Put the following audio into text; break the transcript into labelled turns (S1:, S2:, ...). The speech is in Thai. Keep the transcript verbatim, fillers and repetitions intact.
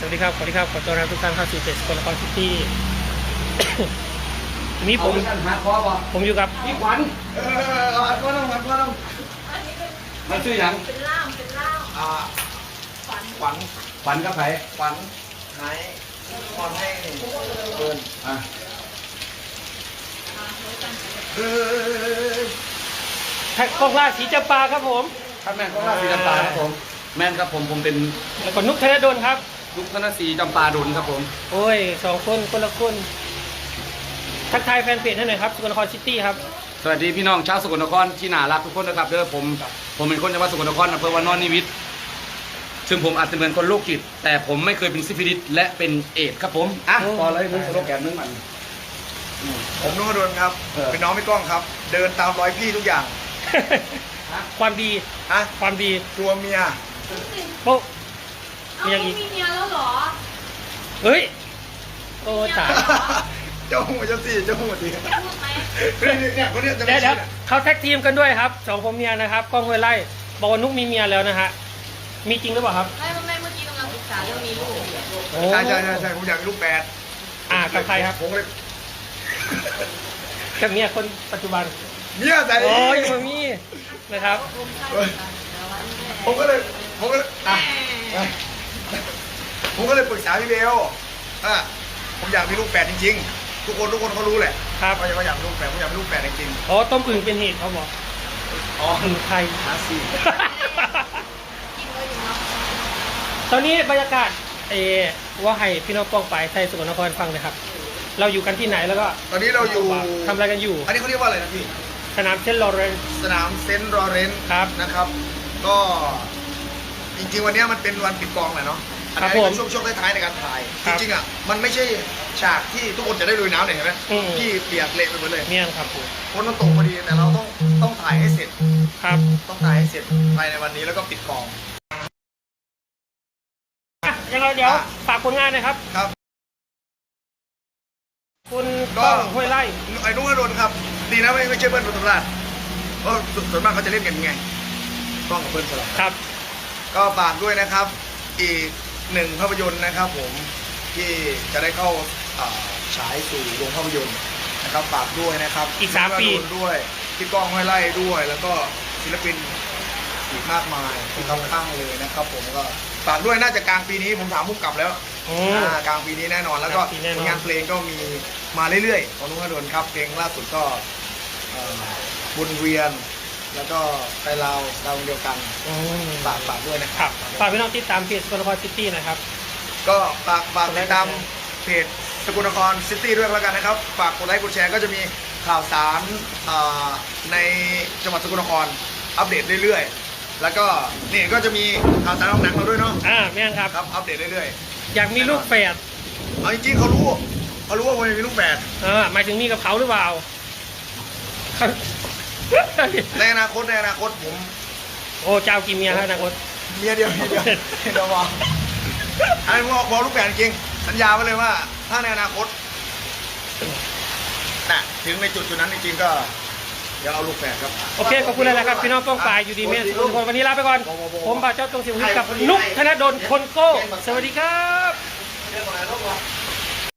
S1: วัสดีครับสวัสดีครับขอต้อนรับทุกท่านเข้าสู่เพจสกลนครซิตี้ มีผมผมอยู่กับ
S2: พี่ขวัญเออเอาอัดก้อนน้องอัดก้อนน้องมันชื่อหยัง
S3: เป็นล่ามเป็นล่าม
S2: อ่า
S3: ฝัน
S2: ขวัญขวัญกับไผ
S4: ขวัญหายพรให้เกิน
S2: อ่ะเออ
S1: แท็กกองล่าสีจำปาครับผม
S2: ท่านแม่นก็ราศีจำปาครับผมแม่นครับผมผมเป็น
S1: แล้วก็นุกธนดลครับ
S2: ยุคธนศรีจำปาดลครับผม
S1: โอ้ยสองคนคนละคนทักทายแฟนเพจให้หน่อยครับสกลนครซิตี้ครับ
S2: สวัสดีพี่น้องชาวสกลนครที่น่ารักทุกคนนะครับเด้อผมผมเป็นคนจังหวัดสกลนครอำเภอวานอนนิวิตซึ่งผมอาจจะเหมือนคนโรคจิตแต่ผมไม่เคยเป็นซิฟิลิสและเป็นเอดส์ครับผมอ่ะพอเลยมึงสโลแกนนึงมัน
S4: ผมนุ่งกระโดนครับ
S2: เออ
S4: เป็นน้องพี่ก้องครับ เดินตามรอยพี่ทุกอย่าง
S1: ความดี
S4: ฮะ
S1: ความดี
S4: ตัวเมีย
S1: โป๊ะ
S3: เอา
S1: มีอย่างอีก
S3: มีเมียแล้วเหรอ
S1: เฮ้ยโอ้ตาย
S4: เจ้าหัวเจ้าสี่เจ้าหัวดี
S3: จะพูดไหม
S4: เนี่ยคนเนี้ยจะ
S1: เดี๋
S4: ไม่
S1: ยวเดี๋ยว
S4: ใช่
S1: เขาแท็กทีมกันด้วยครับสองผมเมียนะครับกล้องห้วยไล่บอกว่านุกมีเมียแล้วนะฮะมีจริงหรือเปล่าครับ
S3: ไม่ไม่เมื่อกี้กำลังศึกษาเรื่องมีลูกอยู่
S1: โอ้
S4: ใช่ใช่ใช่ใช่ผมอยากมีลูกแปด
S1: อ่ากับใครครับ
S4: ผมก็เลย
S1: กับเมียคนปัจจุบัน
S4: เมียใส่
S1: โอ้ยมามีนะครับ
S3: ผมใช่เหมือนกันแต่ว่านี่แหละ
S4: ผมก็เลยผมก็เลยอ่ะอ่ะผมก็เลยปรึกษาพี่เบลอ่ะผมอยากมีลูกแปดจริงๆ ทุกคนทุกคนเขารู้แหละ
S1: ครับ
S4: ว่าอยากมีลูกแปดผมอยากมีลูกแปดจริง
S1: อ๋อต้มอึ่งเป็นเหตุเขาบอก
S4: ๆอ๋อ
S1: อึ่งไทย
S4: หาสี่
S3: กินเลยอยู่เนาะ
S1: ตอนนี้บรรยากาศเออว่าให้พี่น้องป้องไปไทยสกลนครฟังเลยครับ เราอยู่กันที่ไหนแล้วก็
S4: ตอนนี้เราอยู่
S1: ทำอะไรกันอยู่
S4: อันนี้เขาเรียกว่าอะไรนะพี่
S1: สนามเซนต์ลอเรนซ์
S4: สนามเซนต์ลอเรนซ์
S1: ครับ
S4: นะครับ ก็จริงๆวันนี้มันเป็นวันปิดกองแหละเนาะอัน
S1: ครับ
S4: นี้
S1: ผม
S4: เป็นช่วงช่วงท้ายๆในการถ่าย
S1: ค
S4: จ
S1: รับ
S4: ริงๆอ่ะมันไม่ใช่ฉากที่ทุกคนจะได้ลุยน้ำเนี่ยเห็นไหม
S1: อืม
S4: ที่เปียกเละไปหมดเลย
S1: เนี่ยครับผม
S4: คนมันตกพอดีแต่เราต้องต้องถ่ายให้เสร็จ
S1: ครับ
S4: ต้องถ่ายให้เสร็จภายในวันนี้แล้วก็ปิดกอง
S1: อ่ะยังไงเดี๋ยว
S4: อ่ะ
S1: ฝากผลงานหนะครับ
S4: ครับ
S1: คุณก้องห้วยไล่
S4: ไอ้นุ่งอรุณครับ ดีนะไม่ไม่ใช่เบิ้ลปทุมราชเพราะส่วนมากเขาจะเล่นกันยังไงต้องกับเบิ้ลสลับ
S1: ครับ
S4: ก็ฝากด้วยนะครับ อีกหนึ่งภาพยนตร์นะครับผมที่จะได้เข้าอ่าฉายสู่โรงภาพยนตร์นะครับฝากด้วยนะครับ
S1: อีกสามปี
S4: นุ่งอรุณด้วยพี่ก้องห้วยไล่ด้วย แล้วก็ศิลปินอีกมากมายที่เขาตั้งเลยนะครับ ผมก็ฝากด้วยน่าจะกลางปีนี้ผมถามผู้กำกับแล้ว
S1: อืม
S4: อ่ากลางปีนี้แน่นอนแล้วก็
S1: กลางปีแน่นอน
S4: ผลงานเพลงก็มีมาเรื่อยๆของนุ่งอรุณครับเพลงล่าสุดก็เอ่อบุญเวียน แล้วก็ไปลาวดาวดวงเดียวกัน
S1: อืม
S4: ฝากฝากด้วยนะค
S1: ครั
S4: รั
S1: บบ ฝากพี่น้องติดตามเพจสกลนครซิตี้นะครับ
S4: ก็ฝากฝากติดตามเพจสกลนครซิตี้ด้วยแล้วกันนะครับ ฝากกดไลค์กดแชร์ก็จะมีข่าวสารอ่าในจังหวัดสกลนครอัปเดตเรื่อยๆ แล้วก็นี่ก็จะมีข่าวสารของหนังเราด้วยเนาะ
S1: อ่าแม่นครับ
S4: ครับอัปเดตเรื่อย
S1: อยากมีลูกแฝด
S4: ๆเอาจริงๆเขารู้เขารู้ว่าผมจะมีลูกแฝด
S1: เออหมายถึงมีกับเขาหรือเปล่า
S4: ในอนาคตในอนาคตผม
S1: โอ้เจ้ากี่เมียครับอนาคต
S4: เมียเดียวเมียเดียวเดี๋ยวบอกอันนี้ผมบอกลูกแฝดจริงสัญญาไว้เลยว่า ถ้าในอนาคตน่ะถึงในจุดจุดนั้นจริงๆก็เดี๋ยวเอาลูกแฝดครับ
S1: โอเคขอบคุณเลยนะครับพี่น้องป้องปายอยู่ดีเมสทุกคนวันนี้ลาไปก่อน ผมบ่าวเจ้าตรงสิวหิตกับนุกธนดลคนโก้ สวัสดีครับ
S4: เรื่องอะไรลูกวะ